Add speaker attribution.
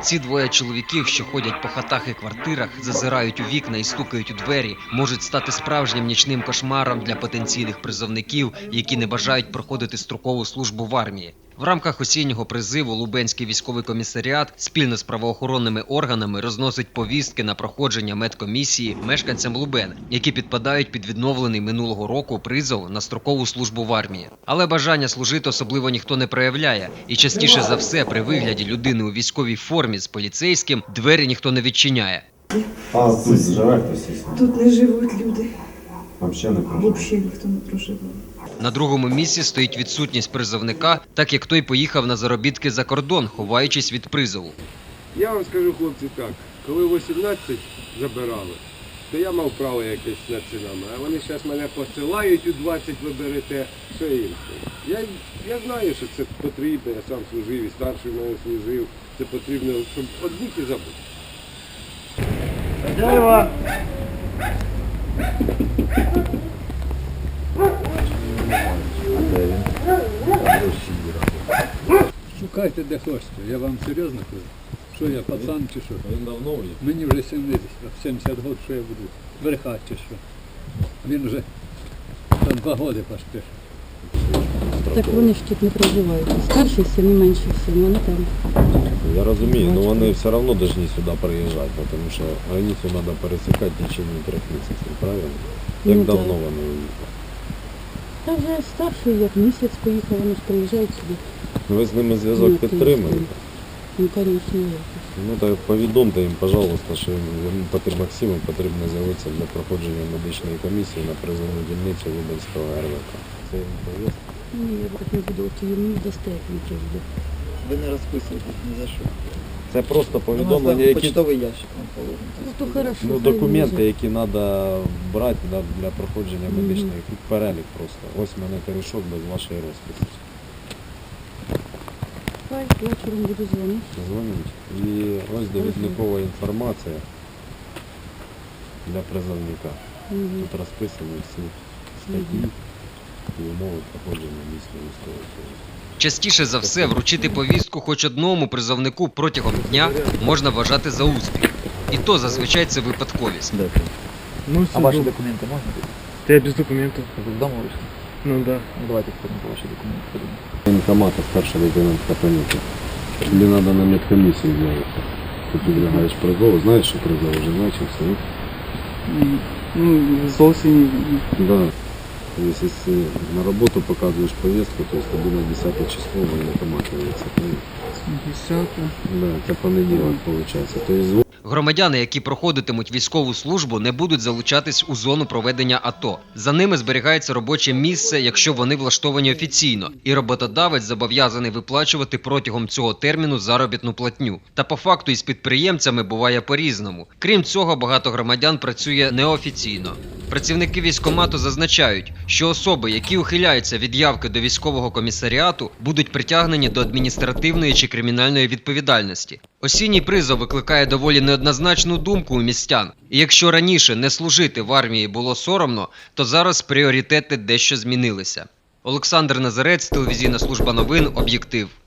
Speaker 1: ці двоє чоловіків, що ходять по хатах і квартирах, зазирають у вікна і стукають у двері, можуть стати справжнім нічним кошмаром для потенційних призовників, які не бажають проходити строкову службу в армії. В рамках осіннього призиву Лубенський військовий комісаріат спільно з правоохоронними органами розносить повістки на проходження медкомісії мешканцям Лубен, які підпадають під відновлений минулого року призов на строкову службу в армії. Але бажання служити особливо ніхто не проявляє, і частіше за все при вигляді людини у військовій формі з поліцейським двері ніхто не відчиняє.
Speaker 2: А тут живе хтось?
Speaker 3: Тут не живуть люди.
Speaker 2: Взагалі не проживає?
Speaker 3: Взагалі ніхто не проживає.
Speaker 1: На другому місці стоїть відсутність призовника, так як той поїхав на заробітки за кордон, ховаючись від призову.
Speaker 4: Я вам скажу, хлопці, так, коли 18 забирали, то я мав право якесь над цінами, а вони зараз мене посилають у 20 ви берете, все інше. Я знаю, що це потрібно, я сам служив і старший в мене служив, це потрібно, щоб одбути і забути.
Speaker 5: Хозяева!
Speaker 6: Шукайте де хочете, я вам серйозно кажу. Що я, пацан чи що?
Speaker 2: Він давно є?
Speaker 6: Мені вже 70 років, що я буду брехати чи що. Він вже там 2 роки поспішив.
Speaker 7: Так вони ж тут не проживають. Старший син і менший син, вони там.
Speaker 2: Я розумію, але вони все одно повинні сюди приїжджати, тому що границю треба пересікати в течение 3 місяців, правильно? Як
Speaker 7: Ну,
Speaker 2: давно
Speaker 7: так.
Speaker 2: вони уїхали?
Speaker 7: Та вже старший, як місяць поїхав, вони ж приїжджають сюди.
Speaker 2: Ви з ними зв'язок
Speaker 7: Ну,
Speaker 2: підтримуєте?
Speaker 7: Ну, звісно, якось.
Speaker 2: Ну так повідомте їм, пожалуйста, що Максиму потрібно з'явитися для проходження медичної комісії на призовну дільницю Лубенського РВК. Це їм повістка?
Speaker 7: Ні, я так не буду, от йому дасте, як він прийде.
Speaker 5: Ви не розписуєтесь ні за що.
Speaker 2: Це просто
Speaker 5: У нас
Speaker 2: повідомлення,
Speaker 5: там
Speaker 2: які...
Speaker 5: почтовий ящик вам положено.
Speaker 7: Ну, то хорошо.
Speaker 2: Ну,
Speaker 7: хай
Speaker 2: документи,
Speaker 7: він
Speaker 2: які треба брати для проходження медичної, тут перелік просто. Ось в мене корішок без вашої розписи.
Speaker 7: Хай вечором буду дзвонити.
Speaker 2: Дзвоніть. І ось довідникова інформація для призовника. Тут розписані всі статті і умови проходження місцевої військової служби.
Speaker 1: Частіше за все, вручити повістку хоч одному призовнику протягом дня можна вважати за успіх. І то зазвичай це випадковість.
Speaker 8: Ну,
Speaker 5: А ваші документи можна?
Speaker 8: Да я без документов.
Speaker 5: Ви вдома вийшли?
Speaker 8: Ну да.
Speaker 5: Ну давайте ходимо по ваші документи. Ходимо.
Speaker 2: Воєнкомата, старший лейтенант Капаніка. Тобі треба на медкомісію з'явитися. Ти підлягаєш призову, знаєш, що призов вже почався?
Speaker 8: Ну, зовсім.
Speaker 2: Да. Если на работу показываешь повестку, то есть тобі на 10 число воєнкомат явиться.
Speaker 8: 10.
Speaker 2: Да, це понеділок виходить. Тобто
Speaker 1: Громадяни, які проходитимуть військову службу, не будуть залучатись у зону проведення АТО. За ними зберігається робоче місце, якщо вони влаштовані офіційно, і роботодавець зобов'язаний виплачувати протягом цього терміну заробітну платню. Та по факту із підприємцями буває по-різному. Крім цього, багато громадян працює неофіційно. Працівники військкомату зазначають, що особи, які ухиляються від явки до військового комісаріату, будуть притягнені до адміністративної чи кримінальної відповідальності. Осінній призов викликає доволі неоднозначну думку у містян. І якщо раніше не служити в армії було соромно, то зараз пріоритети дещо змінилися. Олександр Назарець, телевізійна служба новин «Об'єктив».